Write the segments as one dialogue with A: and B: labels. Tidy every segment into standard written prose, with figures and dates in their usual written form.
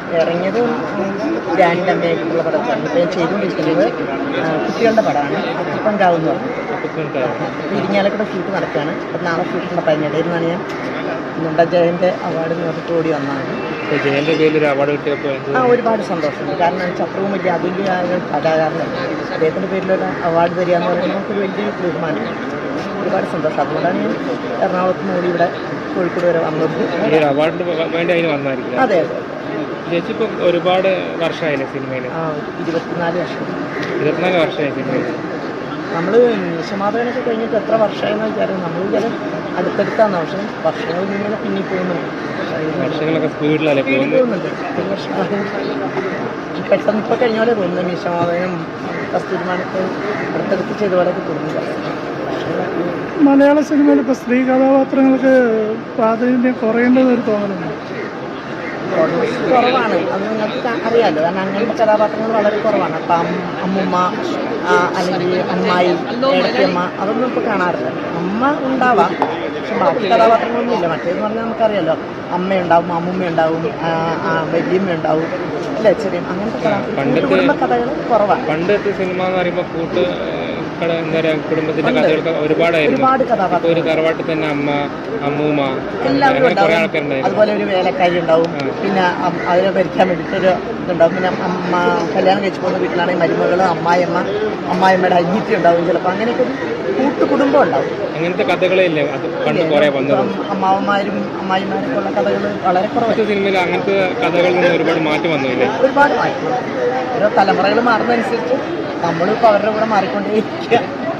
A: ഇറങ്ങിയത് ഗ്രാൻഡ് അമ്മയായിട്ടുള്ള പടത്താണ്. ഇപ്പോൾ ഞാൻ ചെയ്തുകൊണ്ടിരിക്കുന്നത് കുട്ടികളുടെ പടമാണ്. അപ്പൻകാവെന്ന് പറഞ്ഞു. ഇരിങ്ങാലക്കുട ഷൂട്ട് നടക്കുകയാണ്. അപ്പം നാളെ ഷൂട്ടുള്ള പതിനിടയിൽ നിന്നാണ് ഞാൻ നമ്മുടെ ജയൻ്റെ അവാർഡ് നേരിട്ട് ഓടി വന്നതാണ്.
B: ജയൻ്റെ പേരിൽ ഒരു അവാർഡ് കിട്ടിയപ്പോൾ
A: ഒരുപാട് സന്തോഷമുണ്ട്. കാരണം ചത്രവും വലിയ അതുല്യമായ കലാകാരനാണ്. അദ്ദേഹത്തിൻ്റെ പേരിലൊരു അവാർഡ് തരിക എന്ന് പറയുന്നത് നമുക്കൊരു വലിയ ബഹുമാനം. ഒരുപാട് സന്തോഷം. അതുകൊണ്ടാണ് ഞാൻ എറണാകുളത്ത് നിന്ന് ഇവിടെ കോഴിക്കോട് വരെ വന്നത്.
B: ഈ അവാർഡിന് വേണ്ടി അതിന് വന്നായിരിക്കും.
A: അതെ അതെ.
B: ചേച്ചി ഇപ്പോൾ ഒരുപാട് വർഷമായില്ലേ സിനിമയിൽ?
A: 24 വർഷം.
B: 24 വർഷമായി സിനിമയിൽ.
A: നമ്മൾ സമാധാനമൊക്കെ കഴിഞ്ഞിട്ട് എത്ര വർഷമായെന്ന് വെച്ചാൽ നമ്മൾ ചില അടുത്തടുത്താണ്. പക്ഷേ വർഷങ്ങൾ ഇങ്ങനെ പിന്നി പോകുന്നുണ്ട്.
B: വർഷങ്ങളൊക്കെ സ്പീഡിലല്ലേ
A: പോകുന്നുണ്ട്. ഒരു വർഷം പെട്ടെന്ന് ഇപ്പോൾ കഴിഞ്ഞ പോലെ തോന്നുന്നു. മീശമാധവനും കസ്തൂരിമാനൊക്കെ അടുത്തടുത്ത് ചെയ്ത പോലെയൊക്കെ തോന്നുന്നില്ല.
C: മലയാള സിനിമയിൽ ഇപ്പോൾ സ്ത്രീ കഥാപാത്രങ്ങൾക്ക് പ്രാധാന്യം കുറയേണ്ടതൊരു തോന്നലുണ്ട്.
A: കുറവാണ്. അത് നിങ്ങൾക്ക് അറിയാമല്ലോ. കാരണം അങ്ങനത്തെ കഥാപാത്രങ്ങൾ വളരെ കുറവാണ്. അപ്പം അമ്മുമ്മ അല്ലെങ്കിൽ അമ്മായി, ഏടത്തിയമ്മ അതൊന്നും ഇപ്പോൾ കാണാറില്ല. അമ്മ ഉണ്ടാവാം, പക്ഷെ ബാക്കി കഥാപാത്രങ്ങളൊന്നും ഇല്ല. മറ്റേതെന്ന് പറഞ്ഞാൽ നമുക്കറിയാമല്ലോ, അമ്മയുണ്ടാവും, അമ്മുമ്മയുണ്ടാവും, വല്യമ്മ ഉണ്ടാവും, അല്ലേ, ചെറിയ അങ്ങനത്തെ കുടുംബ കഥകൾ കുറവാണ്.
B: പണ്ടത്തെ സിനിമ എന്ന് പറയുമ്പോൾ എന്താ പറയുക, കുടുംബത്തിന്റെ കഥകൾക്ക് ഒരുപാട് കഥാപാത്രം. ഒരു തറവാട്ടിൽ തന്നെ അമ്മ, അമ്മൂമ്മ,
A: എല്ലാവരും ഉണ്ടാവും. അതുപോലെ ഒരു വേലക്കാരി ഉണ്ടാവും. പിന്നെ അതിനെ ഭരിക്കാൻ വേണ്ടിയിട്ടൊരു ഇതുണ്ടാവും. പിന്നെ അമ്മ കല്യാണം കഴിച്ച് പോകുന്ന വീട്ടിലാണെങ്കിൽ മരുമകൾ, അമ്മായിമ്മയുടെ അനിയത്തി ഉണ്ടാവും. ചിലപ്പോൾ അങ്ങനെയൊക്കെ ഒരു കൂട്ടുകുടുംബം ഉണ്ടാവും.
B: അങ്ങനത്തെ കഥകളേ ഇല്ലേ പണ്ട് കുറേ വന്നത്?
A: അമ്മാവന്മാരും അമ്മായിമാരൊക്കെ ഉള്ള കഥകൾ വളരെ കുറവാണ്.
B: സിനിമയിൽ അങ്ങനത്തെ കഥകളിൽ നിന്ന് ഒരുപാട് മാറ്റം വന്നില്ലേ?
A: ഒരുപാട് മാറ്റം. ഓരോ തലമുറകൾ മാറുന്നതനുസരിച്ച് നമ്മളിപ്പോൾ അവരുടെ കൂടെ മാറിക്കൊണ്ടേയിരിക്കുക.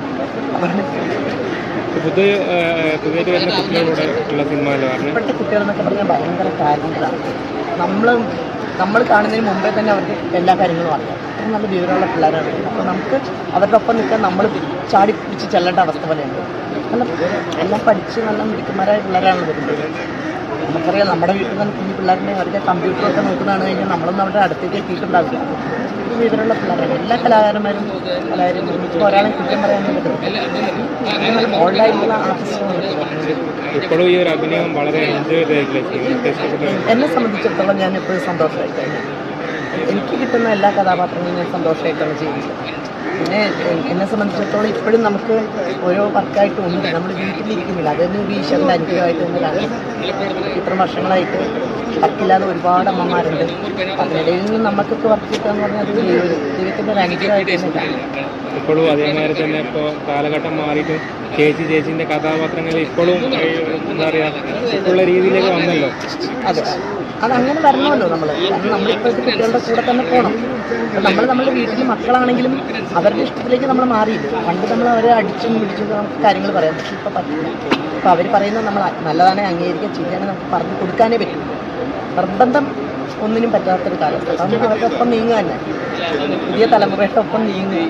B: പുതിയതായിട്ട് വരുന്ന കുട്ടികളോട് ഉള്ള സിനിമ
A: ഇപ്പോഴത്തെ കുട്ടികളെന്നൊക്കെ പറഞ്ഞാൽ ഭയങ്കര കാര്യങ്ങളാണ്. നമ്മൾ കാണുന്നതിന് മുമ്പേ തന്നെ അവർക്ക് എല്ലാ കാര്യങ്ങളും അറിയാം. അത്ര നല്ല വിവരമുള്ള പിള്ളേരാണ്. അപ്പോൾ നമുക്ക് അവരുടെ ഒപ്പം നിൽക്കാൻ നമ്മൾ ചാടി പിടിച്ച് ചെല്ലേണ്ട അവസ്ഥ പോലെയുണ്ട്. എല്ലാം പഠിച്ച് നല്ല മിടുക്കന്മാരായ പിള്ളേരാണ് വരുന്നത്. നമുക്കറിയാം, നമ്മുടെ വീട്ടിൽ തന്നെ കുഞ്ഞു പിള്ളേരുടെ അവരുടെ കമ്പ്യൂട്ടറൊക്കെ നോക്കുന്നതാണ് കഴിഞ്ഞാൽ നമ്മളൊന്നും അവരുടെ അടുത്തേക്ക് എത്തിയിട്ടുണ്ടാവില്ല. വിവരമുള്ള പിള്ളേരാണ് എല്ലാ കലാകാരന്മാരും. ഇപ്പോൾ ഒരാളെ കുറ്റം പറയാനും പറ്റുന്നത് ഓൺലൈനിലുള്ള ആർട്ടിസ്റ്റുകൾ.
B: ഇപ്പോഴും ഈ ഒരു അഭിനയം വളരെ എൻജോയ് ചെയ്തിട്ടില്ല.
A: എന്നെ സംബന്ധിച്ചിടത്തോളം ഞാൻ എപ്പോഴും സന്തോഷമായി കഴിഞ്ഞു. എനിക്ക് കിട്ടുന്ന എല്ലാ കഥാപാത്രങ്ങളും ഞാൻ സന്തോഷമായിട്ടാണ് ചെയ്യുന്നത്. പിന്നെ എന്നെ സംബന്ധിച്ചിടത്തോളം ഇപ്പോഴും നമുക്ക് ഓരോ വർക്കായിട്ടും ഉണ്ട്. നമ്മൾ വീട്ടിലിരിക്കുന്നില്ല. അതൊന്നും ഒരു ഈശ്വരൻ്റെ അനുഗ്രഹമായിട്ട് തന്നെ കാണും. ഇത്ര വർഷങ്ങളായിട്ട് വർക്കില്ലാതെ ഒരുപാട് അമ്മമാരുണ്ട്. അതിനിടയിൽ നിന്ന് നമുക്കൊക്കെ വർക്ക് കിട്ടുക എന്ന് പറഞ്ഞാൽ അത് ദൈവത്തിൻ്റെ ഒരു അനുഗ്രഹമായിട്ട് തന്നെ കാണും.
B: ഇപ്പോഴും അതേമാതിരി തന്നെ ഇപ്പോൾ കാലഘട്ടം മാറിയിട്ട് ചേച്ചിൻ്റെ കഥാപാത്രങ്ങൾ ഇപ്പോഴും എന്താ പറയുക, ഇപ്പോഴുള്ള രീതിയിലേക്ക് വന്നല്ലോ.
A: അതെ, അതങ്ങനെ വരണമല്ലോ നമ്മൾ. കാരണം നമ്മളിപ്പോഴത്തെ കുട്ടികളുടെ കൂടെ തന്നെ പോകണം. അപ്പം നമ്മുടെ വീട്ടിൽ മക്കളാണെങ്കിലും അവരുടെ ഇഷ്ടത്തിലേക്ക് നമ്മൾ മാറിയില്ല. പണ്ട് നമ്മൾ അവരെ അടിച്ചും പിടിച്ചും നമുക്ക് കാര്യങ്ങൾ പറയാം. പക്ഷെ ഇപ്പോൾ പറ്റില്ല. ഇപ്പോൾ അവർ പറയുന്നത് നമ്മൾ നല്ലതാണെ അംഗീകരിക്കുക, ചെയ്യാനെ നമുക്ക് പറഞ്ഞു കൊടുക്കാനേ പറ്റും. നിർബന്ധം ഒന്നിനും പറ്റാത്തൊരു കാലത്ത് അതൊന്നും അവരുടെ ഒപ്പം നീങ്ങുക തന്നെ. പുതിയ തലമുറയുടെ ഒപ്പം നീങ്ങുക.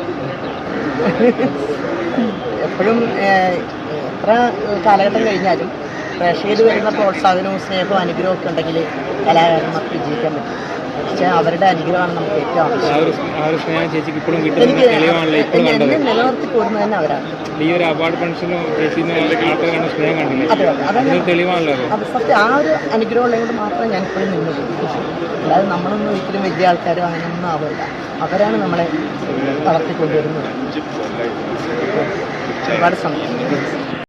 A: എപ്പോഴും എത്ര കാലഘട്ടം കഴിഞ്ഞാലും പ്രേക്ഷകർ വരുന്ന പ്രോത്സാഹനവും സ്നേഹവും അനുഗ്രഹവും ഒക്കെ ഉണ്ടെങ്കിൽ കലാകാരന്മാർക്ക് വിജയിക്കാൻ പറ്റും. പക്ഷേ അവരുടെ അനുഗ്രഹമാണ് നമുക്ക് ഏറ്റവും ആവശ്യം. എന്നെ നിലനിർത്തി പോരുന്നത് തന്നെ അവരാണ്.
B: ഈ ഒരു അവാർഡ് ഫംഗ്ഷനും സ്നേഹം കണ്ടില്ലേ?
A: അതെ അതെ, അതാണ്
B: തെളിവാണല്ലോ.
A: അത് സത്യം. ആ ഒരു അനുഗ്രഹം ഉള്ളത് മാത്രമേ ഞാൻ ഇപ്പോഴും നിന്ന് പോകും. അല്ലാതെ നമ്മളൊന്നും ഒരിക്കലും വലിയ ആൾക്കാരും അങ്ങനെയൊന്നും ആവില്ല. അവരാണ് നമ്മളെ വളർത്തിക്കൊണ്ടുവരുന്നത്. ഒരുപാട് സന്തോഷം.